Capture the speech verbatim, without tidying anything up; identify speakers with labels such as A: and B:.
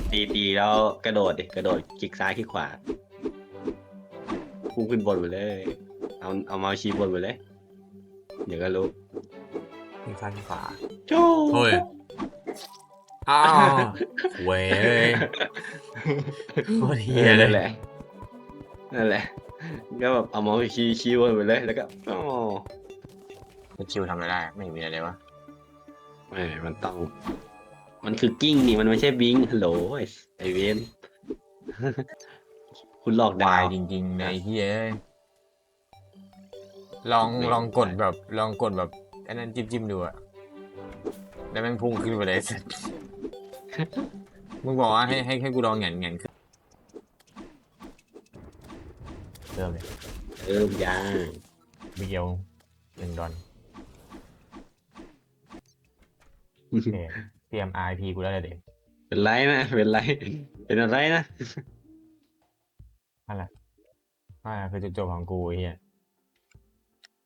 A: ตีตีแล้วกระโดดดิกระโดดคลิกซ้ายคลิกขวาพุ่งขึ้นบนไปเลยเอาเอาเมาส์ชี้บนไปเลยเดี๋ยวก็รู้
B: ที่ซ้ายที่ขวา
A: โจ้
B: เฮ้ยอ้าวเว้ยโคตรเฮียเล
A: นั่
B: ย
A: นแหละนั่นแหละก็แบบเอาเมาส์ชี้ชี้บนไปเลยแล้วก็อ๋อ
B: คิวทำอะไรได้ไม่มีอะไรเลยวะ
A: ไม่มันต้องมันคือกิ้งนี่มันไม่ใช่บิงฮัลโหลไอเวนคุณหลอก
B: วา
A: ดาวย
B: จริงๆในเฮียลองลองกดแบบลองกดแบบอันนั้นจิ้มจิ้มดูอะแล้วแม่งพุ่งขึ้นไปเลยสัสมึงบอกว่าให้ให้ให้กูลองแหงนแหงนขึ้นเริ่มเลย
A: เริ่มยาง
B: เบียวหนึ่งดอนโอเคเตรียม อาร์ ไอ พี กูได้เลยเด็ก
A: เป็นไรนะเป็นไรเป็นอะไรนะ
B: นั่นแหละนั่นแหละคือจุดจบของกูไอ้เฮีย